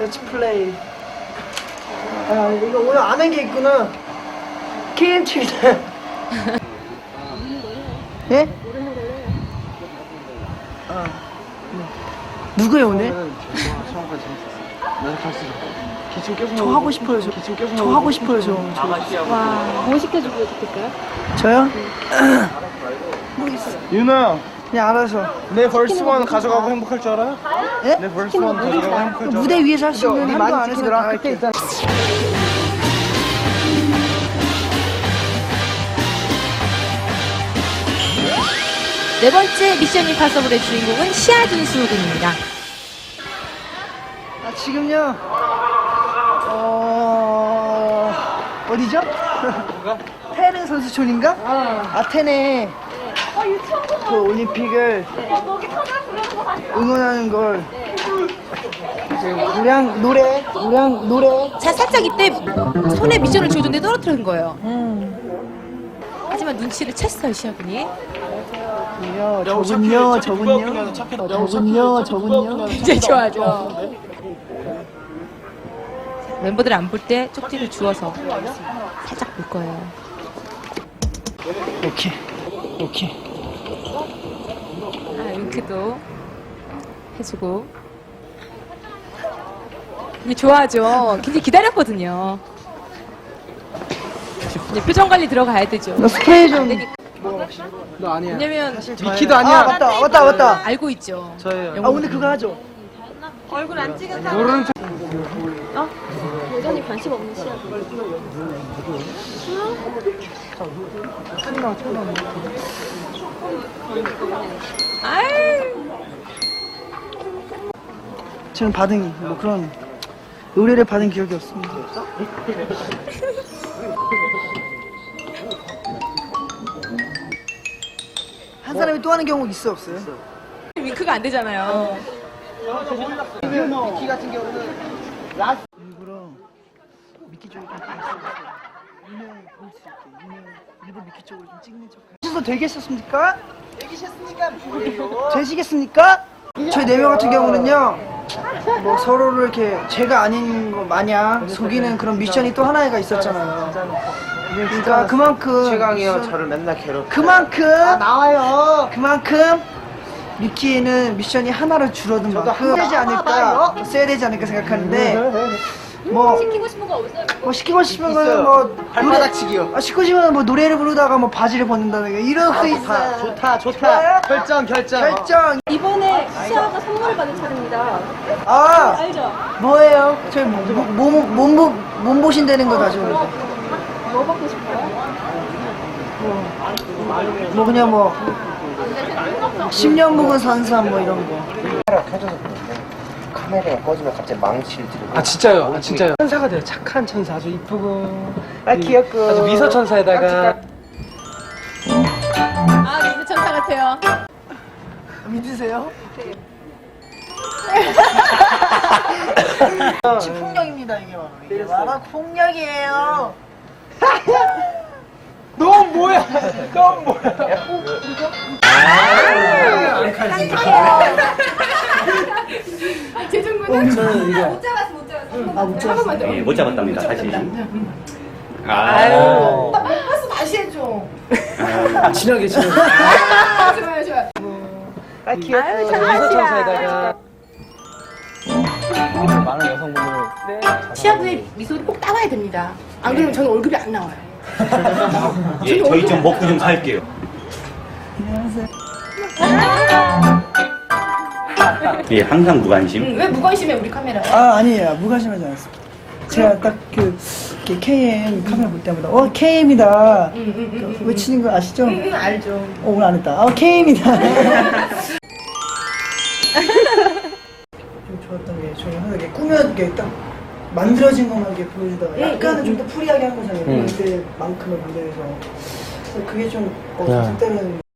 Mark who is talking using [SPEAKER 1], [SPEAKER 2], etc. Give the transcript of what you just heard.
[SPEAKER 1] Let's play. 아, 이거 오늘 안 한 게 있구나. KMT입니다. 예? 누구예요 오늘?
[SPEAKER 2] 처음까지 재밌었어. 나도 갈수 있어. 기침 계속.
[SPEAKER 1] 저 하고 싶어요. 저 하고 싶어요. 저.
[SPEAKER 3] 와, 뭐 시켜주고 싶을까요?
[SPEAKER 1] 저요? 모르겠어요.
[SPEAKER 2] 윤아,
[SPEAKER 1] 그냥 알아서.
[SPEAKER 2] 내 벌스 원 가져가고 행복할 줄 알아요?
[SPEAKER 1] 예?
[SPEAKER 2] 내 벌스 원 가져가고 행복할 줄 알아요?
[SPEAKER 1] 무대 위에서 할 수 있는 한도 안에서 다 할게.
[SPEAKER 3] 네 번째 미션 임파서블의 주인공은 시아준수 군입니다.
[SPEAKER 1] 아, 지금요. 어디죠? 테네 선수촌인가? 아테네 그 올림픽을 응원하는 걸 우량 노래
[SPEAKER 3] 자, 살짝 이때 손에 미션을 주어줬는데 떨어뜨린 거예요. 하지만 눈치를 챘어요, 시아군이.
[SPEAKER 1] 저군요.
[SPEAKER 3] 이제 좋아져. 멤버들 안 볼 때 쪽지를 주워서 살짝 볼 거예요.
[SPEAKER 1] 오케이.
[SPEAKER 3] 아, 윙크도 해주고. 이게 좋아하죠. 굉장히 기다렸거든요. 이제 표정 관리 들어가야 되죠.
[SPEAKER 1] 너 스프레이 좀.
[SPEAKER 2] 너 아니야.
[SPEAKER 3] 왜냐면
[SPEAKER 2] 미키도 아니야.
[SPEAKER 1] 아, 맞다.
[SPEAKER 3] 알고 있죠.
[SPEAKER 2] 저예요.
[SPEAKER 1] 아, 오늘 그거 하죠.
[SPEAKER 3] 얼굴 안 찍은 사람.
[SPEAKER 2] 모르는 척.
[SPEAKER 4] 여전히 관심 없는 시야.
[SPEAKER 3] 아유.
[SPEAKER 1] 저는 받은 뭐 그런 의뢰를 받은 기억이 없습니다. 한 사람이 또 하는 경우 있어 없어요?
[SPEAKER 3] 윙크가 안 되잖아요.
[SPEAKER 1] 미키 같은 경우는 일부러 미키 쪽을 좀 유명 볼수 있게 일부러 미키 쪽을 좀 찍는 척. 하셔도 되겠습니까? 되시겠습니까? 저희 4명 같은 경우는요, 뭐 서로를 이렇게 제가 아닌 거 마냥 속이는 그런 미션이 또 하나가 있었잖아요. 그러니까 그만큼
[SPEAKER 2] 최강이요. 저를 맨날 괴롭혀.
[SPEAKER 1] 그만큼 나와요. 그만큼 미키는 미션이 하나로 줄어든 만큼 써야 되지 않을까 생각하는데 뭐
[SPEAKER 4] 시키고 싶은 거 없어요?
[SPEAKER 1] 뭐 시키고 싶은 거는 뭐
[SPEAKER 2] 발바닥치기요.
[SPEAKER 1] 시키고 싶으면 뭐 노래를 부르다가 뭐 바지를 벗는다든가 이런 거 있어요. 좋아요? 결정.
[SPEAKER 4] 이번에 시아가 선물을 받은 차례입니다.
[SPEAKER 1] 아
[SPEAKER 4] 알죠?
[SPEAKER 1] 뭐예요? 저희 몸 보신다는 거 가지고
[SPEAKER 4] 뭐 받고 싶어요?
[SPEAKER 1] 뭐 그냥 뭐 10년 묵은 산삼 뭐 이런 거.
[SPEAKER 5] 카메라가 꺼지면 갑자기 망치를 들고.
[SPEAKER 2] 아 진짜요. 천사가 돼요. 착한 천사. 아주 이쁘고.
[SPEAKER 1] 귀엽고
[SPEAKER 2] 아주 미소 천사에다가.
[SPEAKER 3] 아, 미스 천사 같아요.
[SPEAKER 1] 믿으세요? 폭력입니다 이게 바로. 이게 바로 폭력이에요.
[SPEAKER 2] 넌 뭐야?
[SPEAKER 3] 재중군은
[SPEAKER 1] 못 잡았어.
[SPEAKER 6] 예, 못 잡았답니다, 사실.
[SPEAKER 3] 아유.
[SPEAKER 2] 진하게.
[SPEAKER 3] 아유,
[SPEAKER 2] 미소
[SPEAKER 3] 장난이야.
[SPEAKER 2] 천사에다가. 많은 여성분들.
[SPEAKER 7] 시아부의 미소를 꼭 따와야 됩니다. 안 그러면 저는 월급이 안 나와요.
[SPEAKER 6] 예, 저희 좀 먹고 좀 살게요. 예, 항상 무관심.
[SPEAKER 7] 왜 무관심해 우리 카메라에?
[SPEAKER 1] 아 아니에요 무관심하지 않았습니다. 제가 딱 그 KM 카메라 볼 때마다 KM이다 외치는 거 아시죠?
[SPEAKER 7] 알죠.
[SPEAKER 1] 오늘 안 했다. KM이다. 좀 좋았던 게 저희 항상 이렇게 꾸며 이게 딱 만들어진 것만 이렇게 보여주다가 약간은 좀 더 프리하게 한 거잖아요. 그때만큼은 무대에서. 그래서 그게 좀 색다른.